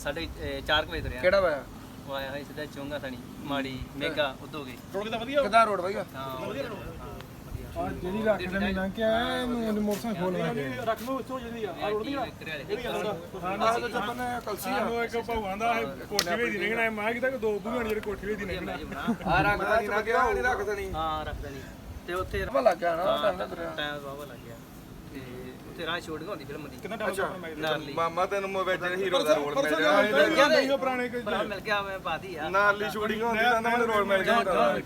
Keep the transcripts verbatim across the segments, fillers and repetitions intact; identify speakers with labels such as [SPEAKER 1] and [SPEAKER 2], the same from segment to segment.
[SPEAKER 1] साढ़े चार वजे तुरे
[SPEAKER 2] ਕਿਹੜਾ ਵਾ
[SPEAKER 1] वो आया है सीधा चोंगा थनी माड़ी मेगा उतो गई
[SPEAKER 3] ਰੋਡ ਕਿਦਾਂ ਵਧੀਆ
[SPEAKER 2] ਕਿਹਦਾ ਰੋਡ ਵਧੀਆ
[SPEAKER 1] हां
[SPEAKER 4] ਜਿਹੜੀ ਰੱਖ ਦੇਣੀ ਨਾ ਕਿ ਇਹਨੂੰ ਮੋਟਰਸਾਈਕਲ ਖੋਲ ਲਾ
[SPEAKER 3] ਰੱਖ ਲਓ ਇੱਥੋਂ ਜਿਹੜੀ ਆ ਰੋਡ ਦੀ
[SPEAKER 2] ਆਹ ਤਾਂ ਜਪਨ ਕਲਸੀ ਆ
[SPEAKER 4] ਉਹ ਇੱਕ ਭਗਵਾਨ ਦਾ ਕੋਠੀ ਵੇਚ ਦੀ ਨਿਕਣਾ ਮੈਂ ਕਿਹਾ ਕਿ ਦੋ ਬੁਗਾਣ ਜਿਹੜੇ ਕੋਠੀ ਵੇਚ ਦੀ ਨਿਕਣਾ
[SPEAKER 2] ਆ ਰੱਖਦਾ ਨਹੀਂ ਨਾ ਕਿਹਾ ਨਹੀਂ ਰੱਖ ਦੇਣੀ
[SPEAKER 1] हां रख देनी ਤੇ ਉੱਥੇ
[SPEAKER 2] ਵਾ ਲੱਗ ਗਿਆ ਨਾ ਟਾਈਮ ਲੱਗ ਰਿਹਾ
[SPEAKER 1] ਟਾਈਮ ਬਾਬਾ ਲੱਗ ਗਿਆ ਤੇ ਉੱਥੇ ਰਾਹ ਸ਼ੂਟ ਹੁੰਦੀ ਫਿਲਮ ਦੀ
[SPEAKER 3] ਕਿੰਨਾ ਟਾਈਮ
[SPEAKER 1] ਨਾਲੀ
[SPEAKER 5] ਮਾਮਾ ਤੈਨੂੰ ਮੋਵੇਜ ਹੀਰੋ ਦਾ ਰੋਲ ਮਿਲ ਗਿਆ
[SPEAKER 1] ਮਿਲ ਗਿਆ ਤੇ
[SPEAKER 4] ਪੁਰਾਣੇ ਕੋਈ
[SPEAKER 1] ਭਰਾ ਮਿਲ ਗਿਆ ਮੈਂ ਬਾਦੀ ਆ
[SPEAKER 5] ਨਾਲੀ ਸ਼ੂਟਿੰਗ ਹੁੰਦੀ ਤਾਂ ਮੈਨੂੰ ਰੋਲ ਮਿਲ ਗਿਆ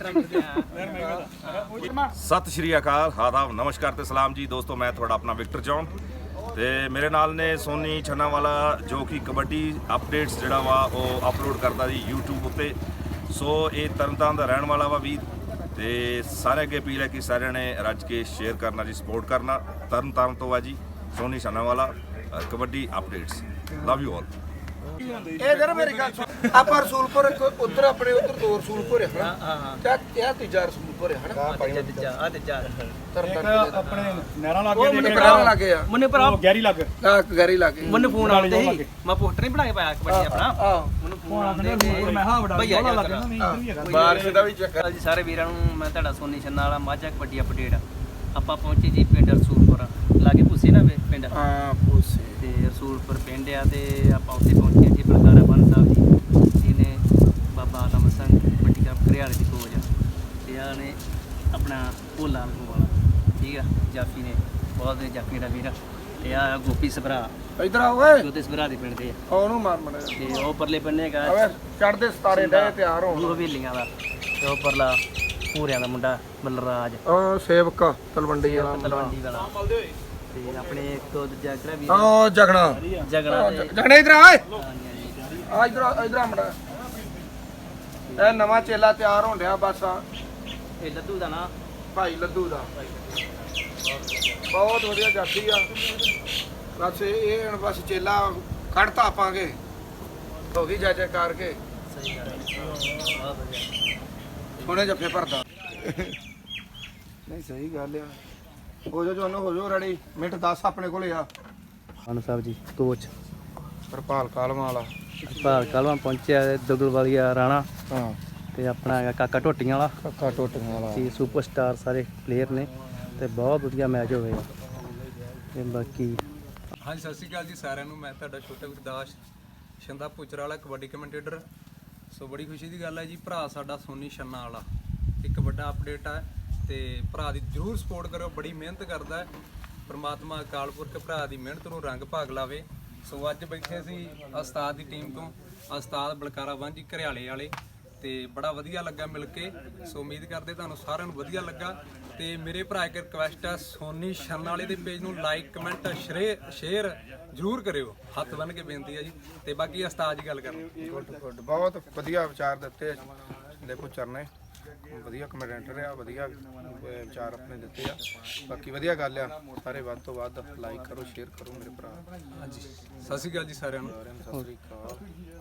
[SPEAKER 5] ਸਤਿ ਸ਼੍ਰੀ ਅਕਾਲ ਆਦਾਬ ਨਮਸਕਾਰ ਤੇ ਸਲਾਮ ਜੀ ਦੋਸਤੋ ਮੈਂ ਤੁਹਾਡਾ ਆਪਣਾ ਵਿਕਟਰ ਜੌਨ ਤੇ ਮੇਰੇ ਨਾਲ ਨੇ ਸੋਨੀ ਛੰਨਾਵਾਲਾ ਜੋ ਕਿ ਕਬੱਡੀ ਅਪਡੇਟਸ ਜਿਹੜਾ ਵਾ ਉਹ ਅਪਲੋਡ ਕਰਦਾ ਜੀ YouTube ਉੱਤੇ ਸੋ ਇਹ ਤਰਨਤਾਰਨ ਦਾ ਰਹਿਣ ਵਾਲਾ ਵਾ ਵੀ ਤੇ ਸਾਰੇ ਅੱਗੇ ਅਪੀਲ ਹੈ ਕਿ ਸਾਰਿਆਂ ਨੇ ਰੱਜ ਕੇ ਸ਼ੇਅਰ ਕਰਨਾ ਜੀ ਸਪੋਰਟ ਕਰਨਾ ਤਰਨਤਾਰਨ ਤੋਂ ਆ ਜੀ Soni Chhannawala kabaddi updates love you all
[SPEAKER 2] ਇਹ ਜਰਾ ਮੇਰੀ ਗੱਲ ਸੁਣ ਆਪਾਂ ਰਸੂਲਪੁਰ ਉਧਰ ਆਪਣੇ ਉਧਰ ਦੋ ਰਸੂਲਪੁਰ ਹੈ
[SPEAKER 1] ਹਾਂ ਹਾਂ ਹਾਂ
[SPEAKER 2] ਤੇ ਇਹ ਤੀਜਾ ਰਸੂਲਪੁਰ ਹੈ ਹਨਾ
[SPEAKER 1] ਜਾ ਆ ਤੇ ਜਾ
[SPEAKER 4] ਆਪਣੇ ਨਹਿਰਾਂ ਲਾ
[SPEAKER 2] ਉਹ ਮੈਨੂੰ ਪੜਾ ਲੱਗੇ ਆ
[SPEAKER 1] ਮੁੰਨੇ ਭਰਾ
[SPEAKER 4] ਗੈਰੀ ਲੱਗ
[SPEAKER 2] ਆ ਗੈਰੀ ਲੱਗੇ
[SPEAKER 1] ਮੈਨੂੰ ਫੋਨ ਆਉਂਦੇ ਸੀ ਮੈਂ ਪੋਸਟਰ ਨਹੀਂ ਬਣਾ ਕੇ ਪਾਇਆ ਕਬੱਡੀ ਆਪਣਾ
[SPEAKER 2] ਆ
[SPEAKER 1] ਮੈਨੂੰ ਫੋਨ ਆਉਂਦੇ ਤੇ
[SPEAKER 4] ਮੈਂ ਹਾਂ ਬੜਾ
[SPEAKER 1] ਭਈਆ
[SPEAKER 4] ਬੋਲਾ
[SPEAKER 1] ਜਾ
[SPEAKER 4] ਲੱਗ ਜਾਂਦਾ ਨਹੀਂ ਇੱਧਰ ਵੀ ਹੈਗਾ
[SPEAKER 2] ਬਾਰਿਸ਼ ਦਾ ਵੀ ਚੱਕਰ
[SPEAKER 1] ਜੀ ਸਾਰੇ ਵੀਰਾਂ ਨੂੰ ਮੈਂ ਤੁਹਾਡਾ ਸੋਨੀ ਛੰਨਾ ਵਾਲਾ ਮਾਝਾ ਕਬੱਡੀ ਅਪਡੇਟ ਆਪਾਂ ਪਹੁੰਚੇ ਜੀ ਪਿੰਡ ਰਸੂਲਪੁਰ ਲਾਗੇ ਪੁੱਸੇ ਨਾ ਵੇ ਪਿੰਡ
[SPEAKER 2] ਹਾਂ ਪੂਸੇ
[SPEAKER 1] ਤੇ ਰਸੂਲਪੁਰ ਪਿੰਡ ਆ ਤੇ ਆਪਾਂ ਉੱਥੇ ਪਹੁੰਚੇ ਜੀ ਬਲਕਾਰਾ ਬੰਨ ਸਾਹਿਬ ਜੀ ਜਿਹਨੇ ਬਾਬਾ ਆਦਮ ਸਿੰਘ ਕਬੱਡੀ ਕੱਪ ਘਰਿਆਲੇ ਦੀ ਕੋਚ ਆ ਤੇ ਆ ਨੇ ਆਪਣਾ ਭੋਲਾ ਲਗੂ ਵਾਲਾ ਠੀਕ ਆ ਜਾਫੀ ਨੇ ਬਹੁਤ ਦੇ ਜਾਫੀ ਦਾ ਵੀਰ ਤੇ ਆ ਗੋਪੀ ਸਭਰਾ
[SPEAKER 2] ਇਧਰ ਆ ਓਏ
[SPEAKER 1] ਜੋਤੇ ਸਭਰਾ ਦੇ ਪਿੰਡ ਦੇ ਆ
[SPEAKER 2] ਉਹਨੂੰ ਮਾਰ ਮੜਾ
[SPEAKER 1] ਤੇ ਉਹ ਪਰਲੇ ਪੰਨੇ ਹੈਗਾ
[SPEAKER 2] ਓਏ ਚੜਦੇ ਸਤਾਰੇ ਡੇ ਤਿਆਰ ਹੋਣ
[SPEAKER 1] ਉਹ ਹਵੇਲੀਆਂ ਦਾ ਤੇ ਉਹ ਪਰਲਾ ਪੂਰਿਆਂ ਦਾ ਮੁੰਡਾ ਬਲਰਾਜ
[SPEAKER 2] ਉਹ ਸੇਵਕ ਤਲਵੰਡੀ ਵਾਲਾ ਮੁੰਡਾ
[SPEAKER 1] ਤਲਵੰਡੀ ਵਾਲਾ ਤੇ ਆਪਣੇ ਇੱਕ ਦੋ ਦੂਜਾ ਕਿਹੜਾ ਵੀਰ
[SPEAKER 2] ਉਹ ਜਗਣਾ
[SPEAKER 1] ਜਗਣਾ ਤੇ
[SPEAKER 2] ਜਗਣਾ ਇਧਰ ਆ ਓਏ
[SPEAKER 1] ਹਾਂਜੀ, ਹਾਂਜੀ।
[SPEAKER 2] ਆ ਇਧਰ ਇਧਰ ਆ ਮੜਾ ਇਹ ਨਵਾਂ ਚੇਲਾ ਤਿਆਰ ਹੋਣ ਡਿਆ ਬਸ ਆ
[SPEAKER 1] ਇਹ ਲੱਦੂ ਦਾ ਨਾ
[SPEAKER 2] ਭਾਈ ਲੱਦੂ ਦਾ ਬਹੁਤ ਵਧੀਆ ਜਾਤੀ ਆ ਬਸ ਇਹ ਹੁਣ ਬਸ ਚੇਲਾ ਕੱਢਤਾ ਆਪਾਂਗੇ ਹੋ ਗਈ ਜੈ ਕਰਕੇ
[SPEAKER 1] ਸਹੀ ਗੱਲ ਹੈ ਬਹੁਤ ਵਧੀਆ
[SPEAKER 2] ਸੋਹਣੇ ਜੱਫੇ ਭਰਦਾ ਨਹੀਂ ਸਹੀ ਗੱਲ ਆ ਹੋ ਜਾ ਜੋਨੋ ਹੋ ਜਾ ਰੈਡੀ ਮਿੰਟ ਦਸ ਆਪਣੇ ਕੋਲੇ ਆ
[SPEAKER 1] ਮਾਨ ਸਾਹਿਬ ਜੀ ਕੋਚ
[SPEAKER 2] ਹਰਪਾਲ ਕਾਲਮਾਂ ਵਾਲਾ
[SPEAKER 1] ਭਾਲ ਕਲਵਾਂ ਪਹੁੰਚਿਆ ਦੁਗਲ ਵਾਲੀਆ ਰਾਣਾ
[SPEAKER 2] ਹਾਂ
[SPEAKER 1] ਤੇ ਆਪਣਾ ਹੈਗਾ ਕਾਕਾ ਢੋਟੀਆਂ ਵਾਲਾ
[SPEAKER 2] ਕੱਕਾ ਟੋਟੀਆਂ ਵਾਲਾ
[SPEAKER 1] ਤੇ ਸੁਪਰਸਟਾਰ ਸਾਰੇ ਪਲੇਅਰ ਨੇ ਤੇ ਬਹੁਤ ਵਧੀਆ ਮੈਚ ਹੋਵੇਗਾ ਤੇ ਬਾਕੀ
[SPEAKER 6] ਹਾਂਜੀ ਸਤਿ ਸ਼੍ਰੀ ਅਕਾਲ ਜੀ ਸਾਰਿਆਂ ਨੂੰ ਮੈਂ ਤੁਹਾਡਾ ਛੋਟਾ ਗੁਰਦਾਸ ਸ਼ੰਦਾ ਪੁੱਚਰ ਵਾਲਾ ਕਬੱਡੀ ਕਮੈਂਟੇਟਰ ਸੋ ਬੜੀ ਖੁਸ਼ੀ ਦੀ ਗੱਲ ਹੈ ਜੀ ਭਰਾ ਸਾਡਾ ਸੋਨੀ ਛੰਨਾ ਵਾਲਾ ਇੱਕ ਵੱਡਾ ਅਪਡੇਟ ਹੈ ਤੇ ਭਰਾ ਦੀ ਜ਼ਰੂਰ ਸਪੋਰਟ ਕਰੋ ਬੜੀ ਮਿਹਨਤ ਕਰਦਾ ਹੈ ਪਰਮਾਤਮਾ ਅਕਾਲ ਪੁਰਖ ਭਰਾ ਦੀ ਮਿਹਨਤ ਨੂੰ ਰੰਗ ਭਾਗ ਲਾਵੇ ਸੋ ਅੱਜ ਬੈਠੇ ਸੀ ਉਸਤਾਦ ਦੀ ਟੀਮ ਤੋਂ ਉਸਤਾਦ ਬਲਕਾਰਾ ਵਾਂਝੀ ਘਰਿਆਲੇ ਵਾਲੇ ਤੇ ਬੜਾ ਵਧੀਆ ਲੱਗਾ ਮਿਲ ਕੇ ਸੋ ਉਮੀਦ ਕਰਦੇ ਤੁਹਾਨੂੰ ਸਾਰਿਆਂ ਨੂੰ ਵਧੀਆ ਲੱਗਾ ਤੇ ਮੇਰੇ ਭਰਾ ਇੱਕ ਰਿਕਵੈਸਟ ਹੈ ਸੋਨੀ ਛੰਨਾ ਵਾਲੇ ਦੇ ਪੇਜ ਨੂੰ ਲਾਈਕ ਕਮੈਂਟ ਸ਼ੇਅਰ ਜ਼ਰੂਰ ਕਰਿਓ ਹੱਥ ਬੰਨ ਕੇ ਬੇਨਤੀ ਹੈ ਜੀ ਤੇ ਬਾਕੀ ਉਸਤਾਦ ਜੀ ਗੱਲ ਕਰਨ
[SPEAKER 2] ਗੁੱਡ ਗੁੱਡ ਬਹੁਤ ਵਧੀਆ ਵਿਚਾਰ ਦਿੱਤੇ ਦੇ ਪੁੱਚਰ ਨੇ ਵਧੀਆ ਕਮੈਂਟਰ ਆ ਵਧੀਆ ਵਿਚਾਰ ਆਪਣੇ ਦਿੱਤੇ ਆ ਬਾਕੀ ਵਧੀਆ ਗੱਲ ਆ ਸਾਰੇ ਵੱਧ ਤੋਂ ਵੱਧ ਲਾਈਕ ਕਰੋ ਸ਼ੇਅਰ ਕਰੋ ਮੇਰੇ ਭਰਾ
[SPEAKER 6] ਹਾਂਜੀ ਸਤਿ ਸ਼੍ਰੀ ਅਕਾਲ ਜੀ ਸਾਰਿਆਂ ਨੂੰ
[SPEAKER 2] ਸਤਿ ਸ੍ਰੀ ਅਕਾਲ